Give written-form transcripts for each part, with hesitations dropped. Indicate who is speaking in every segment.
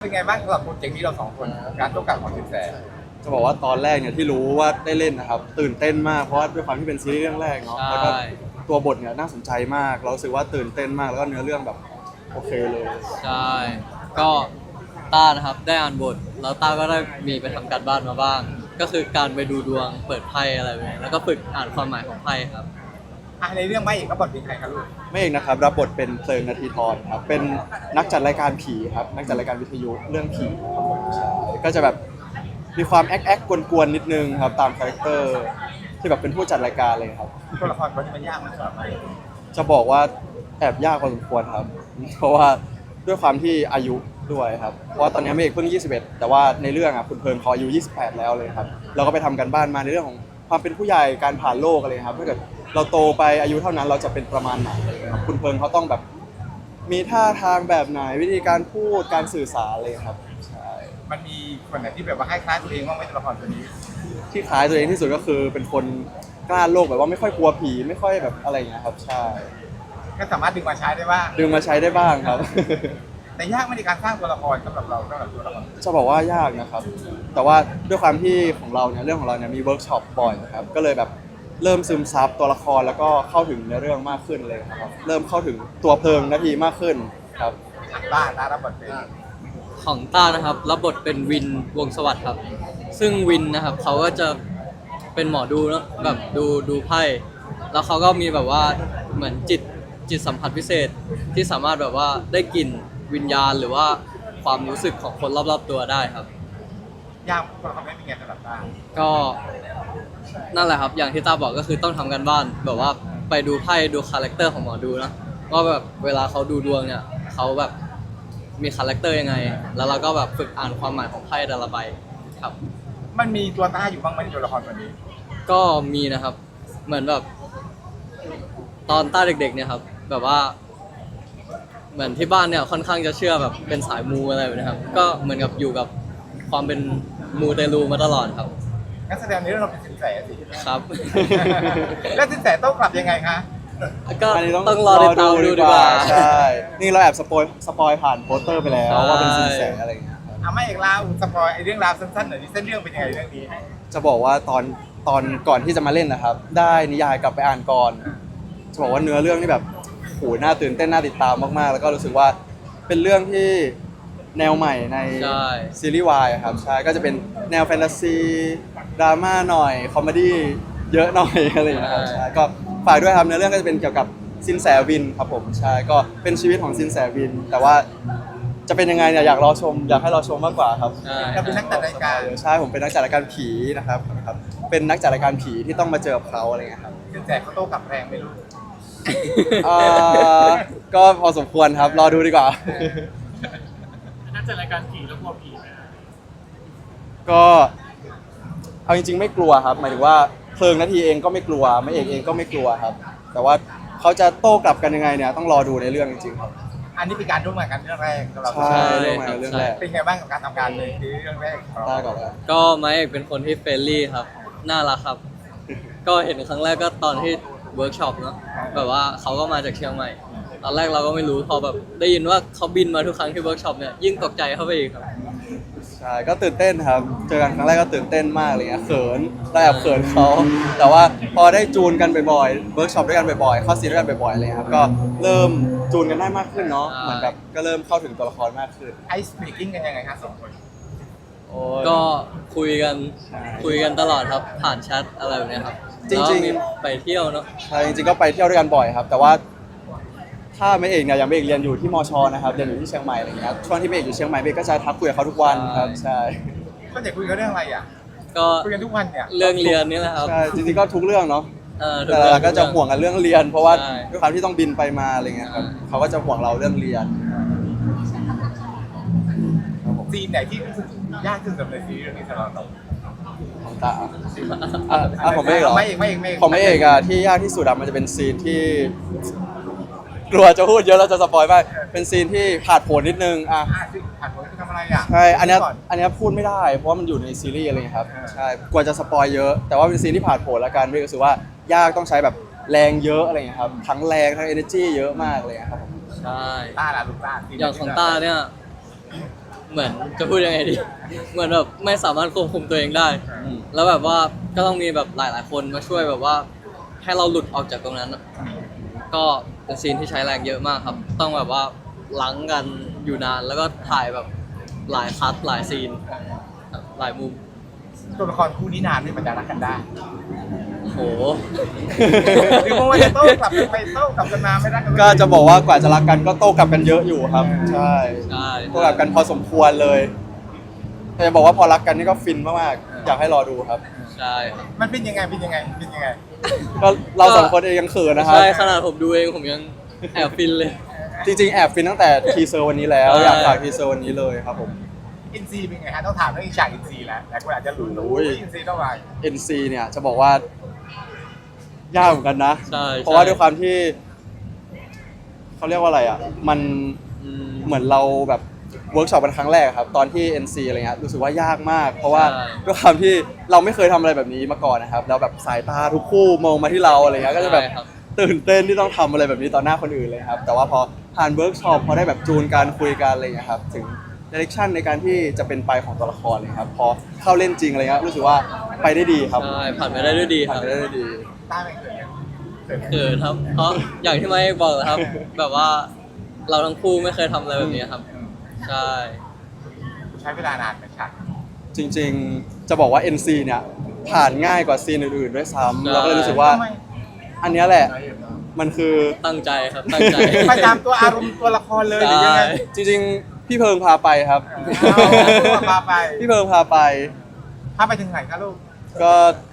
Speaker 1: เป็นไงบ้างสำหรับโปรเจกต์นี้เราสองคนการต้องการของสินแส
Speaker 2: จะบอกว่าตอนแรกเนี่ยที่รู้ว่าได้เล่นนะครับตื่นเต้นมากเพราะว่าด้วยความที่เป็นซีรีส์เรื่องแรกเนาะแล้วก็ตัวบทเนี่ยน่าสนใจมากเรารู้สึกว่าตื่นเต้นมากแล้วก็เนื้อเรื่องแบบโอเคเลย
Speaker 3: ใช่ก็ต้านะครับได้อ่านบทแล้วต้าก็ได้มีไปทำการบ้านมาบ้าง ก็คือการไปดูดวงเปิดไพ่อะไรแบบนี้แล้วก็ฝึกอ่านความหมายของไพ่ครับ
Speaker 1: ในเรื่องไม่เอกก็บทเป็นใครครับลูก
Speaker 2: ไม่เองนะครับรับบทเป็นเพลิงนาทีทรครับเป็นนักจัดรายการผีครับนักจัดรายการวิทยุเรื่องผีครับผมใช่ก็จะแบบมีความแอ๊กกวนๆนิดนึงครับตามคาแรคเตอร์ที่แบบเป็นผู้จัดรายการเลยครับ
Speaker 1: ตัวละครคนนี้มันยากมากสำหรับไม่
Speaker 2: จะบอกว่าแอบยากพอสมควรครับเพราะว่าด้วยความที่อายุด้วยครับเพราะว่าตอนนี้เมฆเพิ่ง21แต่ว่าในเรื่องอ่ะคุณเพลิร์นเขาอายุ28แล้วเลยครับเราก็ไปทำกันบ้านมาในเรื่องของความเป็นผู้ใหญ่การผ่านโลกอะไรครับถ้าเกิดเราโตไปอายุเท่านั้นเราจะเป็นประมาณไหนครับคุณเพลิร์นเขาต้องแบบมีท่าทางแบบไหนวิธีการพูดการสื่อสารเลยครับใช่
Speaker 1: มันมีคนไหนที่แบบว่าคล้ายๆตัวเองบ้างไหมตัวละครตัวนี้
Speaker 2: ที่คล้ายตัวเองที่สุดก็คือเป็นคนกล้าโลกแบบว่าไม่ค่อยกลัวผีไม่ค่อยแบบอะไรอย่างเงี้ยครับใช่
Speaker 1: ก็สามารถดึงมาใช้ได้บ้าง
Speaker 2: ดึงมาใช้ได้บ้างครับ
Speaker 1: แต่ยากไม่ในการสร้างตัวละครสำหรับเราสำหรับตัวละคร
Speaker 2: จะบอกว่ายากนะครับแต่ว่าด้วยความที่ของเราเนี่ยเรื่องของเราเนี่ยมีเวิร์กช็อปบ่อยนะครับก็เลยแบบเริ่มซึมซับตัวละครแล้วก็เข้าถึงในเรื่องมากขึ้นเลยครับเริ่มเข้าถึงตัวเพลิงนาทีมากขึ้นครับ
Speaker 1: ต้ารับบทเป็น
Speaker 3: ของต้านะครับรับบทเป็นวินวงศ์สวัสดิ์ครับซึ่งวินนะครับเขาก็จะเป็นหมอดูเนาะแบบดูไพ่แล้วเขาก็มีแบบว่าเหมือนจิตสัมผัสพิเศษที่สามารถแบบว่าได้กลิ่นวิญญาณหรือว่าความรู้สึกของคนรอบๆตัวได้ครับ
Speaker 1: ยากตัวละครไม่เป็นไงสำหรับต้า
Speaker 3: ก็นั่นแหละครับอย่างที่ต้าบอกก็คือต้องทำกันบ้านแบบว่าไปดูไพ่ดูคาแรคเตอร์ของหมอดูนะว่าแบบเวลาเขาดูดวงเนี่ยเขาแบบมีคาแรคเตอร์ยังไงแล้วเราก็แบบฝึกอ่านความหมายของไพ่แต่ละใบครับ
Speaker 1: มันมีตัวต้าอยู่บ้างไหมในตัวละครตัวนี้
Speaker 3: ก็มีนะครับเหมือนแบบตอนต้าเด็กๆเนี่ยครับแบบว่าเหมือนที่บ้านเนี่ยค่อนข้างจะเชื่อแบบเป็นสายมูอะไรแบบนี้ครับก็เหมือนกับอยู่กับความเป็นมูเตลูมาตลอดครับ
Speaker 1: นักแสดงในเรื่องเราเป็นสินแสสิ
Speaker 3: ครับ
Speaker 1: แล้วสินแสต้องกลับยังไงคะ
Speaker 3: ก็ต้องรอติดตามดูดีกว่า
Speaker 2: ใช่นี่เราแอบสปอยผ่านโปสเตอร์ไปแล้วว่าเป็นสินแสอะไรอย่างเงี้ย
Speaker 1: ไม่เอกลาวสปอยไอเรื่องราวสั้นๆหน่อยเส้นเรื่องเป็นยังไงเรื่องนี้
Speaker 2: จะบอกว่าตอนก่อนที่จะมาเล่นนะครับได้นิยายกลับไปอ่านก่อนจะบอกว่าเนื้อเรื่องนี่แบบโหน่าตื่นเต้นน่าติดตามมากๆแล้วก็รู้สึกว่าเป็นเรื่องที่แนวใหม่ในซีรีส์วายครับใช่ก็จะเป็นแนวแฟนตาซีดราม่าหน่อยคอมเมดี้เยอะหน่อยอะไรอย่างเงี้ยครับใช่ก็ฝากด้วยครับเนื้อเรื่องก็จะเป็นเกี่ยวกับสินแสวินครับผมใช่ก็เป็นชีวิตของสินแสวินแต่ว่าจะเป็นยังไงเนี่ยอยากรอชมอยากให้รอชมมากกว่าครับ
Speaker 1: เราเป็นนักจัดรายการ
Speaker 2: ใช่ผมเป็นนักจัดรายการผีนะครับเป็นนักจัดรายการผีที่ต้องมาเจอกับเขาอะไรเงี้ยครับ
Speaker 1: สินแสเขาโต้กลับแรงไม่รู้
Speaker 2: ก็พอสมควรครับรอดูดีกว่า
Speaker 4: นักจัดรายการผีแล้วกลัวผีไหม
Speaker 2: ก็เอาจริงๆไม่กลัวครับหมายถึงว่าเพลิงนาทีเองก็ไม่กลัวไม่เอกเองก็ไม่กลัวครับแต่ว่าเขาจะโต้กลับกันยังไงเนี่ยต้องรอดูในเรื่องจริงๆครับ
Speaker 1: อันนี้เป็นการร่วมงานกันเรื่องแรกสำหรับ
Speaker 2: ใช่เรื่องแรก
Speaker 1: เป็นไงบ้างกับการทำงานเลยคือเรื่องแรก
Speaker 2: ได้ก่อนเลย
Speaker 3: ก็ไมค์เอกเป็นคนที่เฟรนลี่ครับน่ารักครับก็เห็นครั้งแรกก็ตอนที่เวิร์กช็อปเนาะแบบว่าเขาก็มาจากเชียงใหม่ตอนแรกเราก็ไม่รู้พอแบบได้ยินว่าเขาบินมาทุกครั้งที่เวิร์กช็อปเนี่ยยิ่งตกใจเข้าไปอีกครับ
Speaker 2: ใช่ก็ตื่นเต้นครับเจอกันครั้งแรกก็ตื่นเต้นมากเลยเขินเราแอบเขินเขาแต่ว่าพอได้จูนกันบ่อยๆเวิร์กช็อปด้วยกันบ่อยๆเข้าซีนด้วยกันบ่อยๆเลยครับก็เริ่มจูนกันได้มากขึ้นเนาะเหมือนแบบก็เริ่มเข้าถึงตัวละครมากขึ้น
Speaker 1: ไอซ์เบรกกิ้งกันยังไงครับสองคน
Speaker 3: ก็คุยกันตลอดครับผ่านแชทอะไรแบบนี้ครับ
Speaker 2: จริง
Speaker 3: ๆไปเที่ยวเนาะ
Speaker 2: ใช่จริงๆก็ไปเที่ยวด้วยกันบ่อยครับแต่ว่าถ้าไม่เอกเนี่ยอย่างไม่เอกเรียนอยู่ที่มชนะครับเรียนอยู่ที่เชียงใหม่อะไรเงี้ยช่วงที่ไม่เอกอยู่เชียงใหม่ไม่เอกก็จะทักคุยกับเขาทุกวันครับใช่
Speaker 1: ก็จะคุยกันเรื่องอะไรอ่ะ
Speaker 3: ก็
Speaker 1: คุยกันทุกวันเนี่ย
Speaker 3: เรื่องเรียนนี่แหละครับ
Speaker 2: ใช่จริงๆก็ทุกเรื่องเนาะแต่ก็จะห่วงกันเรื่องเรียนเพราะว่าด้วยความที่ต้องบินไปมาอะไรเงี้ยครับเขาก็จะห่วงเราเรื่องเรียน
Speaker 1: ซีนไหนที่รู้สึกยากที่สุดในซีรีส์เรื่องนี้สำหรับเรา
Speaker 2: ของตาผมไม่เอกหรอผมไม่เอกอะที่ยากที่สุดอะมันจะเป็นซีนที่กลัวจะพูดเยอะแล้วจะสปอยไปเป็นซีนที่ผาดโผนนิดนึง
Speaker 1: ผ่านผลทำอะไรอ่ะ
Speaker 2: ใช่อันนี้พูดไม่ได้เพราะว่ามันอยู่ในซีรีส์อะไรครับใช่กลัวจะสปอยเยอะแต่ว่าเป็นซีนที่ผาดโผนแล้วกันรู้สึกว่ายากต้องใช้แบบแรงเยอะอะไรเงี้ยครับทั้งแรงทั้ง energy เยอะมากเลยครับผม
Speaker 3: ใช่
Speaker 1: ต้าล่ะลูกต้า
Speaker 3: อย่างของต้าเนี่ยเหมือนจะพูดยังไงดี เหมือนแบบไม่สามารถควบคุมตัวเองได้
Speaker 2: อืม
Speaker 3: แล้วแบบว่าก็ต้องมีแบบหลาย ๆ คนมาช่วยแบบว่า ให้เราหลุดออกจากตรงนั้นอะก็เป็นซีนที่ใช้แรงเยอะมากครับ ต้องแบบว่าล้างกันอยู่นานแล้วก็ถ่ายแบบหลายคัทหลายซีนครับหลายมุม
Speaker 1: ตัวละครคู่นี้นานที่มันจะรักกันได้
Speaker 3: โห
Speaker 1: หรือว่าจะโต้กลับกันไปโต้กลับกันมาไม่รักกัน
Speaker 2: ก็จะบอกว่ากว่าจะรักกันก็โต้กลับกันเยอะอยู่ครับ ใช่
Speaker 3: ใช่
Speaker 2: โต้กลับกันพอสมควรเลยแต่จะบอกว่าพอรักกันนี่ก็ฟินมากๆอยากให้รอดูครับ
Speaker 3: ใช่ครับ
Speaker 1: มันเป็นยังไงเป็นยังไงเป็นยังไง
Speaker 2: ก็เราสองคนเองยังเขินนะครับ
Speaker 3: ใช่ขนาดผมดูเองผมยังแอบฟินเลย
Speaker 2: จริงๆแอบฟินตั้งแต่ทีเซอร์วันนี้แล้ว
Speaker 3: ใช่
Speaker 2: อยากฝากทีเซอร์วันนี้เลยครับผม
Speaker 1: อินซีเป็นไงฮะต้องถามเรื่องฉากอินซีแล้วแต่คนอาจจะรู้
Speaker 2: โอ้ย
Speaker 1: อินซีต้องมา
Speaker 2: NC เนี่ยจะบอกว่ายากเหมือนกันนะ
Speaker 3: ใช่
Speaker 2: เพราะว่าด้วยความที่เขาเรียกว่าอะไรอ่ะ มัน
Speaker 3: อืม
Speaker 2: เหมือนเราแบบเวิร์กช็อปกันครั้งแรกครับ ตอนที่ NC อะไรเงี้ยรู้สึกว่ายากมาก เพราะว่า
Speaker 3: ใช่
Speaker 2: ด้วยความที่เราไม่เคยทำอะไรแบบนี้มาก่อนนะครับแล้วแบบสายตาทุกคู่มองมาที่เราอะไรเงี้ยก็จะแบบ
Speaker 3: ใช่ครับ
Speaker 2: ตื่นเต้นที่ต้องทำอะไรแบบนี้ต่อหน้าคนอื่นเลยครับ แต่ว่าพอผ่านเวิร์กช็อปพอได้แบบจูนการคุยกันอะไรเงี้ยครับถึงดิเรกชันในการที่จะเป็นไปของตัวละครเลยครับพอเข้าเล่นจริงอะไรเงี้ยรู้สึกว่าไปได้ดีครับ
Speaker 3: ใช่ผ่านไปได้ด้วยดีค
Speaker 2: ผ่าน
Speaker 3: รับ
Speaker 2: ไปได้ด้วยดี
Speaker 1: ต้าไม่เคยเกิด
Speaker 3: เขินครับ เพราะอย่างที่ไม่บอกนะครับ แบบว่าเราทั้งคู่ไม่เคยทำอะไรแบบนี้ครับ ใช่
Speaker 1: ใช้เวลานานไหมฉาก
Speaker 2: จริงๆจะบอกว่า NC เนี่ยผ่านง่ายกว่าซีนอื่นๆด้วยซ้ำ
Speaker 3: ใช่
Speaker 2: เราก็เลยรู้สึกว่า
Speaker 1: ทำไม
Speaker 2: อันเนี้ยแหละมันคือ
Speaker 3: ตั้งใจครับตั้งใจ
Speaker 1: ไปตามตัวอารมณ์ตัวละครเลยหรือยังไง
Speaker 3: ใช่
Speaker 2: จริงๆพี่เพิงพาไปครับ
Speaker 1: เอาพาไป
Speaker 2: พี่เพิงพาไป
Speaker 1: พาไปถึงไหนคะลูก
Speaker 2: ก็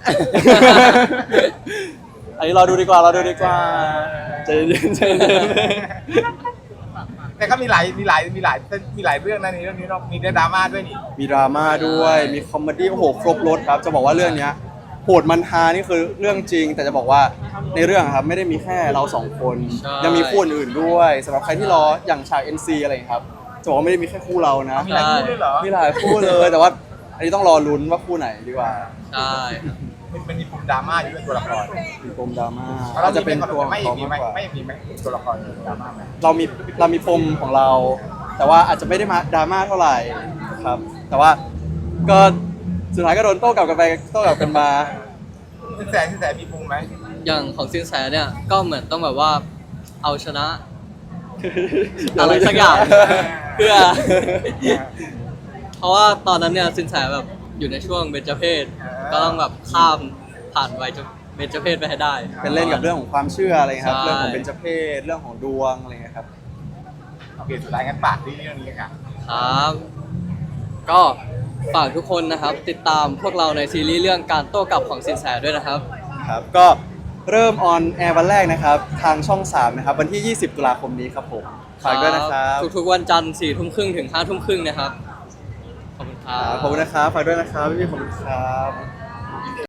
Speaker 2: อันนี้เราดูดีกว่าเราดูดีกว่าใจเย็นๆใจเย็น
Speaker 1: แต่ก็มีหลายเรื่องนะในเรื่องนี้เนาะมีดราม่าด้วยนี่
Speaker 2: ๆมีดราม่าด้วยมีคอมเมดี้โอ้โหครบรถครับ จะบอกว่าเรื่องเนี้ยโหดมันฮานี่คือเรื่องจริง แต่จะบอกว่าในเรื่องอะครับไม่ได้มีแค่เราสองคน
Speaker 3: ใช่
Speaker 2: ยังมีคู่อื่นๆด้วยสำหรับใครที่รออย่างฉาก NC อะไรอย่างเงี้ยครับจะบอกว่าไม่ได้มีแค่คู่เรานะ
Speaker 1: มีหลายคู่ด้วยเหรอ
Speaker 2: มีหลายคู่เลยแต่ว่าอันนี้ต้องรอลุ้นว่าคู่ไหนดีกว่า
Speaker 3: ใช่ครับ
Speaker 1: มันมีปมดราม่าอยู่ด้วยตัวละคร
Speaker 2: มีปมดราม่า
Speaker 1: เรา
Speaker 2: จะเป็นตัว
Speaker 1: ไม่
Speaker 2: ของ
Speaker 1: มี
Speaker 2: เขา
Speaker 1: ไหม
Speaker 2: มากกว่า
Speaker 1: ไม่มีไหมตัวละครดราม่าไหม
Speaker 2: เรามีปมของเรา แต่ว่าอาจจะไม่ได้มาดราม่าเท่าไหร่ครับ แต่ว่าก็สุดท้ายก็โดนโต้กลับกันไปโต้กลับกันมา
Speaker 1: สินแสมีปมไหม
Speaker 3: อย่างของซินแสเนี่ยก็เหมือนต้องแบบว่าเอาชนะ อะไรสักอย่าง เพื่อ เพราะว่าตอนนั้นเนี่ยสินแสแบบอยู่ในช่วงเบญจเพศก็ต้องแบบข้ามผ่านวัยเบญจเพศไปให้ได้
Speaker 2: เป็นเล่นกับเรื่องของความเชื่ออะไรครับ
Speaker 3: ใช่
Speaker 2: เรื่องของเบญจเพศเรื่องของดวงอะไรเงี้ยครับ
Speaker 1: โอเคสุดท้ายงั้นฝากที่เรื่องนี้ค่ะ
Speaker 3: ครับ ก็ฝากทุกคนนะครับ ติดตามพวกเราในซีรีส์เรื่องการโต้กลับของสินแสด้วยนะครับ
Speaker 2: ครับก็เริ่มออนแอร์วันแรกนะครับ ทางช่อง 3 นะครับ วันที่ 20 ตุลาคมนี้ครับผมฝากด้วยนะครับ
Speaker 3: ทุกๆวันจันทร์4 ทุ่มครึ่งถึง5 ทุ่มครึ่งนะครับ ขอบคุณครั
Speaker 2: ขอบคุณนะครับฝากด้วยนะครับพี่ๆขอบคุณครับ